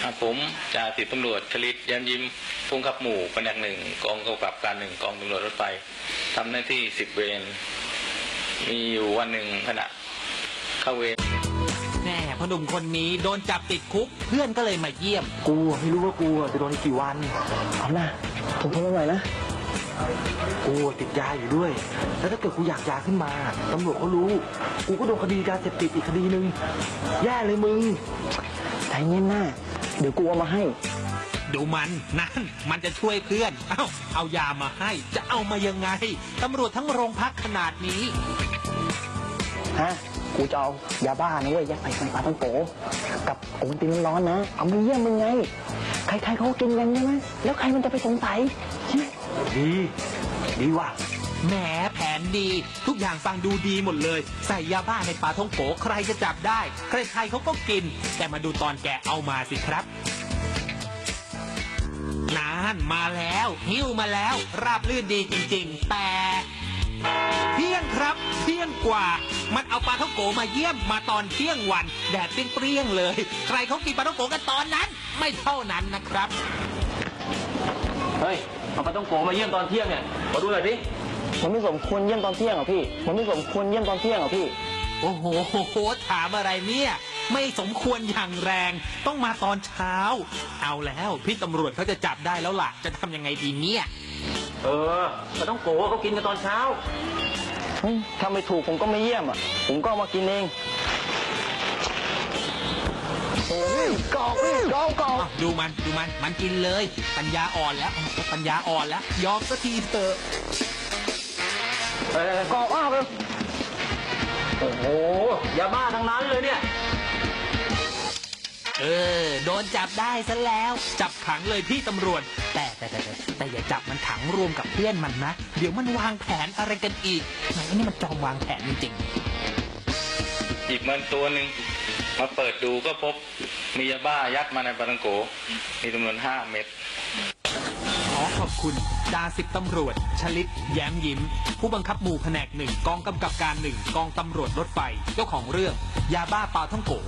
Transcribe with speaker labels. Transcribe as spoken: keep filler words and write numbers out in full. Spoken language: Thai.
Speaker 1: ผมจ่าสิบตำรวจชลิตย้มยิ้มผู้ขับหมู่แผนกหนึ่งกองกำกับการหนึ่งกองตำรวจรถไฟทำหน้าที่สิบเวรมีอยู่วันหนึ่งขณะเข้าเวร
Speaker 2: แน่พหนุ่มคนนี้โดนจับติดคุกเพื่อนก็เลยมาเยี่ยม
Speaker 3: กูไม่รู้ว่ากูจะโดนกี่วันเอาหน้าผมทนไม่ไหวนะกูติดยาอยู่ด้วยแล้วถ้าเกิดกูอยากยาขึ้นมาตำรวจเขารู้กูก็โดนคดียาเสพติดอีกคดีหนึ่งแย่เลยมึงใจเย็นหน้าเดี๋ยวกูเอามาให้
Speaker 2: ดูมันนั่นมันจะช่วยเพื่อนเอ้าเอายามาให้จะเอามายังไงตำรวจทั้งโรงพักขนาดนี้
Speaker 3: ฮะกูจะเอายาบ้านะเว้ยยัดใส่ในปลาท่องโกกับโอนตินร้อนๆนะเอามาเยี่ยมมึงไงใครๆเขากินกันใช่ไหมแล้วใครมันจะไปสงสัยดีดีว่ะ
Speaker 2: แหมแผนดีทุกอย่างฟังดูดีหมดเลยใส่ยาบ้าในปลาท่องโกใครจะจับได้ใครๆเขาก็กินแต่มาดูตอนแกเอามาสิครับนานมาแล้วหิ้วมาแล้วราบลื่นดีจริงๆแต่เที่ยงครับเที่ยงกว่ามันเอาปลาท่องโกมาเยี่ยมมาตอนเที่ยงวันแดดเปรี้ยงๆเลยใครเขากินปลาท่องโกกันตอนนั้นไม่เท่านั้นนะครับ
Speaker 4: เฮ้ยเอาปลาท่องโกมาเยี่ยมตอนเที่ยงเนี่ยมาดูหน่อยสิ
Speaker 3: มันไม่สมควรเยี่ยมตอนเที่ยงหรอพี่มันไม่สมควรเยี่ยมตอนเที่ยงหรอพี่
Speaker 2: โอ้โหถามอะไรเนี่ยไม่สมควรอย่างแรงต้องมาตอนเช้าเอาแล้วพี่ตำรวจเขาจะจับได้แล้วล่ะจะทำยังไงดีเนี่ย
Speaker 4: เออปลาท่องโกเขากินกันตอนเช้า
Speaker 3: ถ้าไม่ถูกผมก็ไม่เยี่ยมอ่ะผมก็มากินเองโอ้ยกอกพี่กอกกอก
Speaker 2: ดูมันดูมันมันกินเลยปัญญาอ่อนแล้วปัญญาอ่อนแล้วยอมสักทีเถอะ
Speaker 3: เออกอกอ้าวเลย
Speaker 4: โอ้โหยาบ้าทั้งนั้นเลยเนี่ย
Speaker 2: เออโดนจับได้ซะแล้วจับขังเลยพี่ตำรวจแต่แต่แต่แต่อย่าจับมันขังรวมกับเพื่อนมันนะเดี๋ยวมันวางแผนอะไรกันอีกไหนนี่มันจอมวางแผนจริง
Speaker 1: ๆหยิบมันตัวหนึ่งมาเปิดดูก็พบมียาบ้ายัดมาในปลาท่องโกมีจำนวนห้าเม็ด
Speaker 2: ขอขอบคุณจ่าสิบตำรวจชลิตแย้มยิ้มผู้บังคับหมู่แผนกหนึ่งกองกำกับการหนึ่งกองตำรวจรถไฟเจ้าของเรื่องยาบ้าปลาท่องโก